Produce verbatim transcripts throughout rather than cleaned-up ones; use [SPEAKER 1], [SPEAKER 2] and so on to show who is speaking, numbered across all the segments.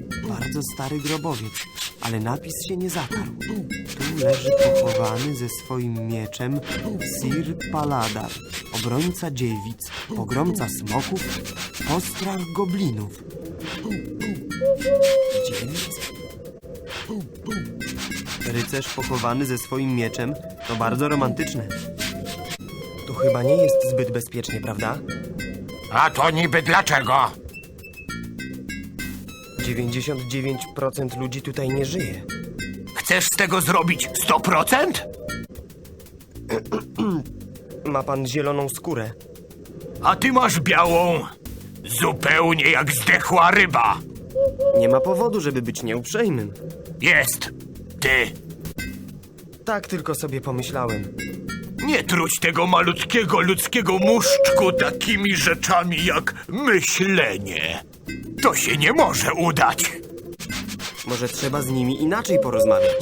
[SPEAKER 1] Bardzo stary grobowiec, ale napis się nie zatarł. Tu leży pochowany ze swoim mieczem Sir Paladar, obrońca dziewic, pogromca smoków, postrach goblinów. Dziewic? Rycerz pochowany ze swoim mieczem to bardzo romantyczne. Tu chyba nie jest zbyt bezpiecznie, prawda?
[SPEAKER 2] A to niby dlaczego?
[SPEAKER 1] dziewięćdziesiąt dziewięć procent ludzi tutaj nie żyje.
[SPEAKER 2] Chcesz z tego zrobić sto procent?
[SPEAKER 1] Ma pan zieloną skórę.
[SPEAKER 2] A ty masz białą, zupełnie jak zdechła ryba.
[SPEAKER 1] Nie ma powodu, żeby być nieuprzejmym.
[SPEAKER 2] Jest, ty.
[SPEAKER 1] Tak tylko sobie pomyślałem.
[SPEAKER 2] Nie truć tego malutkiego ludzkiego muszczku takimi rzeczami jak myślenie. To się nie może udać.
[SPEAKER 1] Może trzeba z nimi inaczej porozmawiać.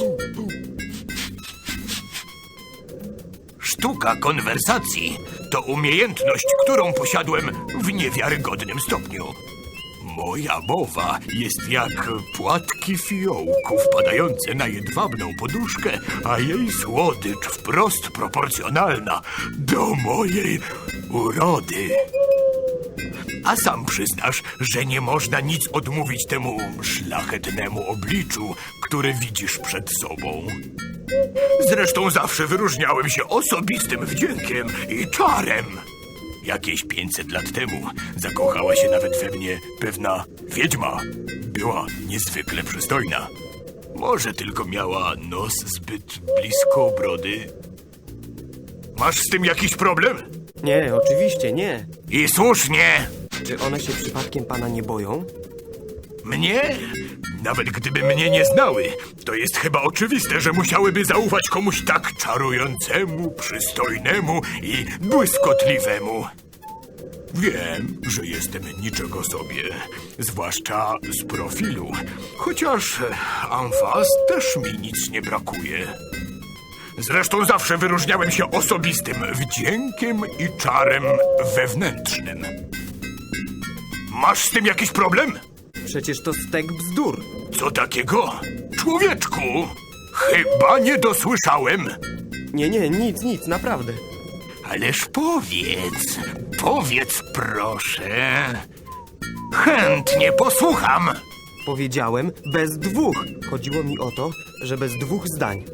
[SPEAKER 2] Sztuka konwersacji to umiejętność, którą posiadłem w niewiarygodnym stopniu. Moja mowa jest jak płatki fiołku wpadające na jedwabną poduszkę, a jej słodycz wprost proporcjonalna do mojej urody. A sam przyznasz, że nie można nic odmówić temu szlachetnemu obliczu, które widzisz przed sobą. Zresztą zawsze wyróżniałem się osobistym wdziękiem i czarem. Jakieś pięćset lat temu zakochała się nawet we mnie pewna wiedźma. Była niezwykle przystojna. Może tylko miała nos zbyt blisko brody. Masz z tym jakiś problem?
[SPEAKER 1] Nie, oczywiście nie.
[SPEAKER 2] I słusznie.
[SPEAKER 1] Czy one się przypadkiem pana nie boją?
[SPEAKER 2] Mnie? Nawet gdyby mnie nie znały, to jest chyba oczywiste, że musiałyby zaufać komuś tak czarującemu, przystojnemu i błyskotliwemu. Wiem, że jestem niczego sobie, zwłaszcza z profilu, chociaż amfas też mi nic nie brakuje. Zresztą zawsze wyróżniałem się osobistym wdziękiem i czarem wewnętrznym. Masz z tym jakiś problem?
[SPEAKER 1] Przecież to stek bzdur.
[SPEAKER 2] Co takiego? Człowieczku, chyba nie dosłyszałem.
[SPEAKER 1] Nie, nie, nic, nic, naprawdę.
[SPEAKER 2] Ależ powiedz, powiedz proszę. Chętnie posłucham.
[SPEAKER 1] Powiedziałem bez dwóch. Chodziło mi o to, że bez dwóch zdań.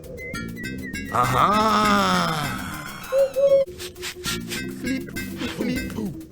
[SPEAKER 2] Aha.
[SPEAKER 1] Flip, flip.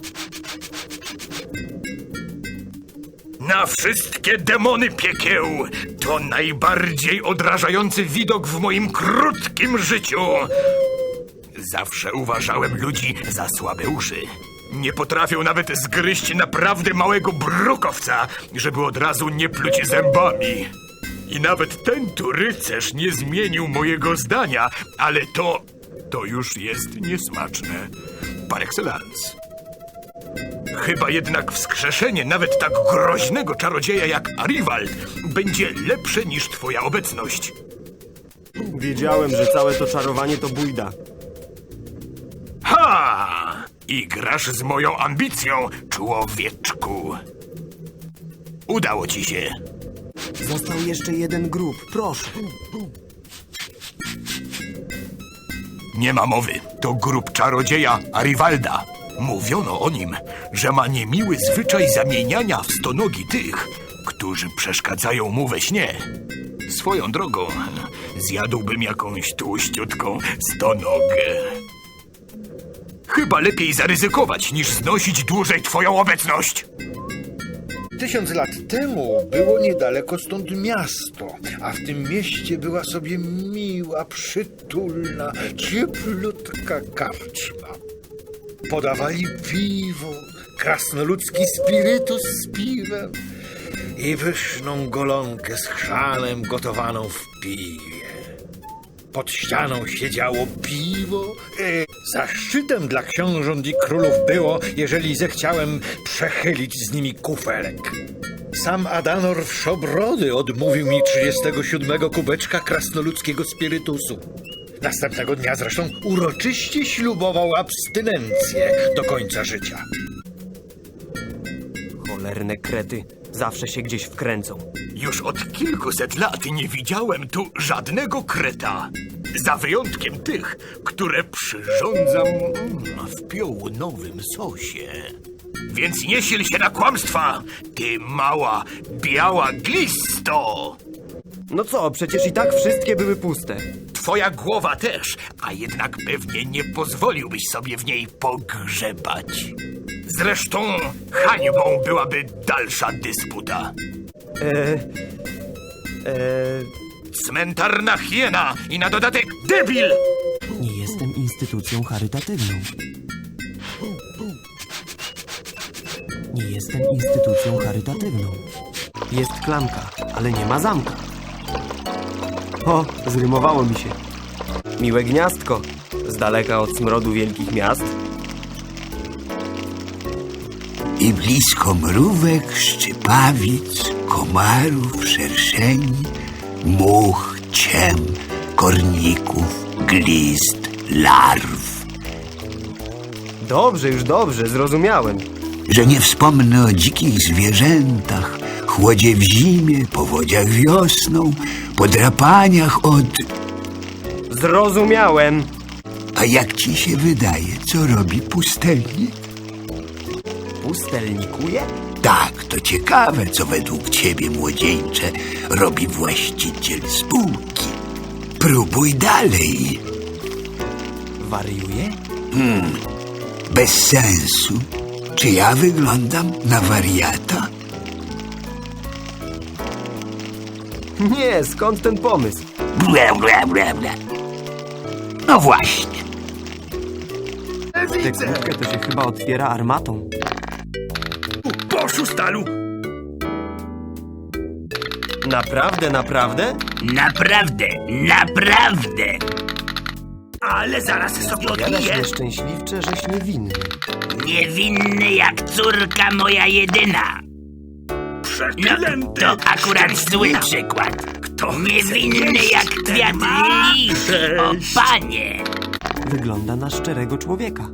[SPEAKER 2] Na wszystkie demony piekieł! To najbardziej odrażający widok w moim krótkim życiu! Zawsze uważałem ludzi za słabe uszy. Nie potrafią nawet zgryźć naprawdę małego brukowca, żeby od razu nie pluć zębami. I nawet ten tu rycerz nie zmienił mojego zdania, ale to... to już jest niesmaczne. Par excellence. Chyba jednak wskrzeszenie nawet tak groźnego czarodzieja jak Arivald będzie lepsze niż twoja obecność.
[SPEAKER 1] Wiedziałem, że całe to czarowanie to bójda.
[SPEAKER 2] Ha! I grasz z moją ambicją, człowieczku. Udało ci się.
[SPEAKER 1] Został jeszcze jeden grób, proszę.
[SPEAKER 2] Nie ma mowy. To grób czarodzieja Arivalda. Mówiono o nim, że ma niemiły zwyczaj zamieniania w stonogi tych, którzy przeszkadzają mu we śnie. Swoją drogą, zjadłbym jakąś tłuściutką stonogę. Chyba lepiej zaryzykować, niż znosić dłużej twoją obecność.
[SPEAKER 3] Tysiąc lat temu było niedaleko stąd miasto, a w tym mieście była sobie miła, przytulna, cieplutka karczma. Podawali piwo, krasnoludzki spirytus z piwem i pyszną golonkę z chrzanem gotowaną w piwie. Pod ścianą siedziało piwo. E, zaszczytem dla książąt i królów było, jeżeli zechciałem przechylić z nimi kufelek. Sam Adanor Wszobrody odmówił mi trzydziestego siódmego kubeczka krasnoludzkiego spirytusu. Następnego dnia zresztą uroczyście ślubował abstynencję do końca życia.
[SPEAKER 1] Cholerne krety. Zawsze się gdzieś wkręcą.
[SPEAKER 2] Już od kilkuset lat nie widziałem tu żadnego kreta. Za wyjątkiem tych, które przyrządzam mm, w piołunowym sosie. Więc nie sil się na kłamstwa, ty mała, biała glisto!
[SPEAKER 1] No co, przecież i tak wszystkie były puste.
[SPEAKER 2] Twoja głowa też, a jednak pewnie nie pozwoliłbyś sobie w niej pogrzebać. Zresztą hańbą byłaby dalsza dysputa.
[SPEAKER 1] Eee... Eee...
[SPEAKER 2] Cmentarna hiena i na dodatek debil!
[SPEAKER 1] Nie jestem instytucją charytatywną. Nie jestem instytucją charytatywną. Jest klamka, ale nie ma zamka. O, zrymowało mi się. Miłe gniazdko, z daleka od smrodu wielkich miast.
[SPEAKER 4] I blisko mrówek, szczypawic, komarów, szerszeni, much, ciem, korników, glist, larw.
[SPEAKER 1] Dobrze, już dobrze, zrozumiałem.
[SPEAKER 4] Że nie wspomnę o dzikich zwierzętach, chłodzie w zimie, powodziach wiosną, podrapaniach od...
[SPEAKER 1] Zrozumiałem.
[SPEAKER 4] A jak ci się wydaje, co robi pustelnik?
[SPEAKER 1] Pustelnikuje?
[SPEAKER 4] Tak, to ciekawe, co według ciebie, młodzieńcze, robi właściciel spółki. Próbuj dalej.
[SPEAKER 1] Wariuje?
[SPEAKER 4] Bez sensu. Czy ja wyglądam na wariata?
[SPEAKER 1] Nie, skąd ten pomysł?
[SPEAKER 4] Ble, ble, ble, ble. No właśnie.
[SPEAKER 1] Tę kłódkę to się chyba otwiera armatą.
[SPEAKER 2] Poszu stalu!
[SPEAKER 1] Naprawdę, naprawdę?
[SPEAKER 5] Naprawdę, naprawdę.
[SPEAKER 2] Ale zaraz sobie
[SPEAKER 1] Jadaś
[SPEAKER 2] odbiję.
[SPEAKER 1] nieszczęśliwcze, żeś niewinny.
[SPEAKER 5] Niewinny jak córka moja jedyna. No, to akurat zły przykład. Niewinny jak kwiat lilii. O panie.
[SPEAKER 1] Wygląda na szczerego człowieka.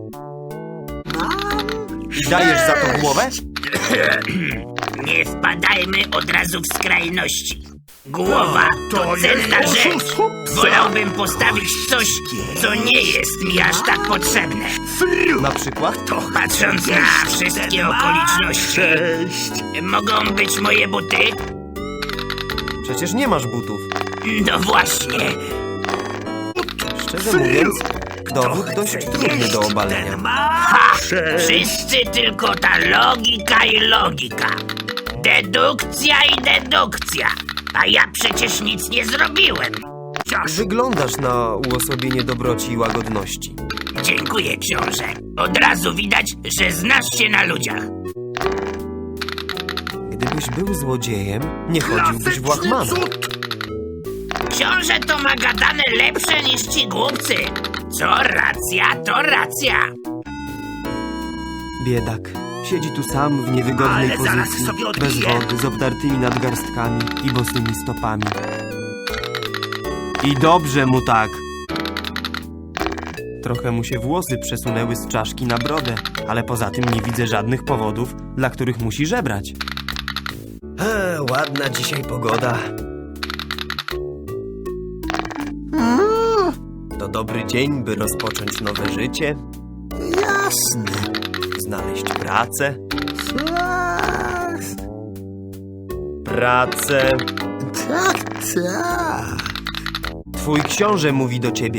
[SPEAKER 1] I dajesz za to głowę?
[SPEAKER 5] Nie wpadajmy od razu w skrajności. Głowa to cenna rzecz. Wolałbym postawić coś, co nie jest mi aż tak potrzebne.
[SPEAKER 1] Na przykład?
[SPEAKER 5] Patrząc na wszystkie okoliczności, mogą być moje buty?
[SPEAKER 1] Przecież nie masz butów.
[SPEAKER 5] No właśnie.
[SPEAKER 1] Szczerze mówiąc, dowód dość trudny do obalenia.
[SPEAKER 5] Ha! Wszyscy tylko ta logika i logika. Dedukcja i dedukcja. A ja przecież nic nie zrobiłem.
[SPEAKER 1] Wyglądasz na uosobienie dobroci i łagodności.
[SPEAKER 5] Dziękuję, książę. Od razu widać, że znasz się na ludziach.
[SPEAKER 1] Gdybyś był złodziejem, nie chodziłbyś w łachmanach.
[SPEAKER 5] Książę to ma gadane lepsze niż ci głupcy. Co racja, to racja.
[SPEAKER 1] Biedak. Siedzi tu sam w niewygodnej
[SPEAKER 2] Ale zaraz
[SPEAKER 1] pozycji,
[SPEAKER 2] sobie
[SPEAKER 1] bez
[SPEAKER 2] odbiję.
[SPEAKER 1] wody, z obdartymi nadgarstkami i bosymi stopami. I dobrze mu tak. Trochę mu się włosy przesunęły z czaszki na brodę, ale poza tym nie widzę żadnych powodów, dla których musi żebrać. Eee, ładna dzisiaj pogoda. To dobry dzień, by rozpocząć nowe życie,
[SPEAKER 4] Jasne.
[SPEAKER 1] znaleźć pracę. Pracę.
[SPEAKER 4] Tak, tak.
[SPEAKER 1] Twój książę mówi do ciebie.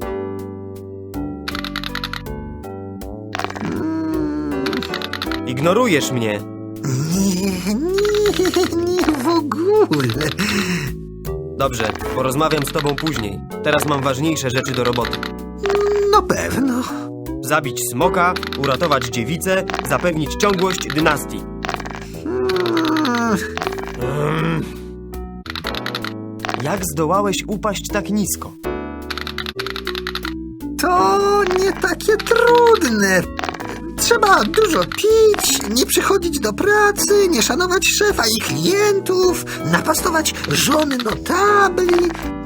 [SPEAKER 1] Ignorujesz mnie.
[SPEAKER 4] Nie, nie, nie w ogóle.
[SPEAKER 1] Dobrze, porozmawiam z tobą później. Teraz mam ważniejsze rzeczy do roboty.
[SPEAKER 4] No pewno.
[SPEAKER 1] Zabić smoka, uratować dziewicę, zapewnić ciągłość dynastii. Mm. Jak zdołałeś upaść tak nisko?
[SPEAKER 6] To nie takie trudne. Trzeba dużo pić, nie przychodzić do pracy, nie szanować szefa i klientów, napastować żony notabli,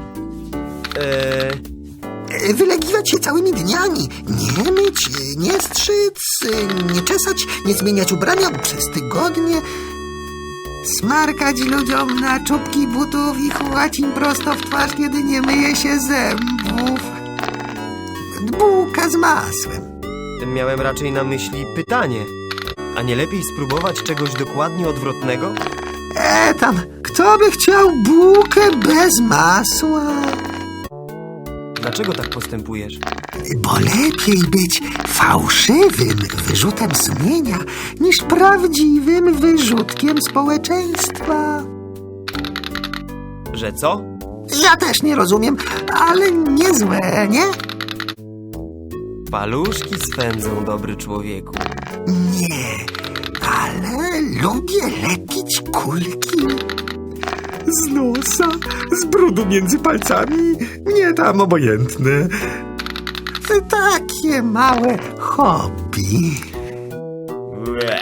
[SPEAKER 1] Eee,
[SPEAKER 6] wylegiwać się całymi dniami, nie myć, nie strzyc, nie czesać, nie zmieniać ubrania przez tygodnie. Smarkać ludziom na czubki butów i chłać im prosto w twarz, kiedy nie myje się zębów. Bułka z masłem.
[SPEAKER 1] Miałem raczej na myśli pytanie. A nie lepiej spróbować czegoś dokładnie odwrotnego?
[SPEAKER 6] E tam, kto by chciał bułkę bez masła?
[SPEAKER 1] Dlaczego tak postępujesz?
[SPEAKER 6] Bo lepiej być fałszywym wyrzutem sumienia niż prawdziwym wyrzutkiem społeczeństwa.
[SPEAKER 1] Że co?
[SPEAKER 6] Ja też nie rozumiem, ale niezłe, nie?
[SPEAKER 1] Paluszki swędzą, dobry człowieku.
[SPEAKER 6] Nie, ale lubię lepić kulki.
[SPEAKER 7] Z nosa, z brudu między palcami, nie tam obojętne.
[SPEAKER 6] Takie małe hobby.
[SPEAKER 1] Ue.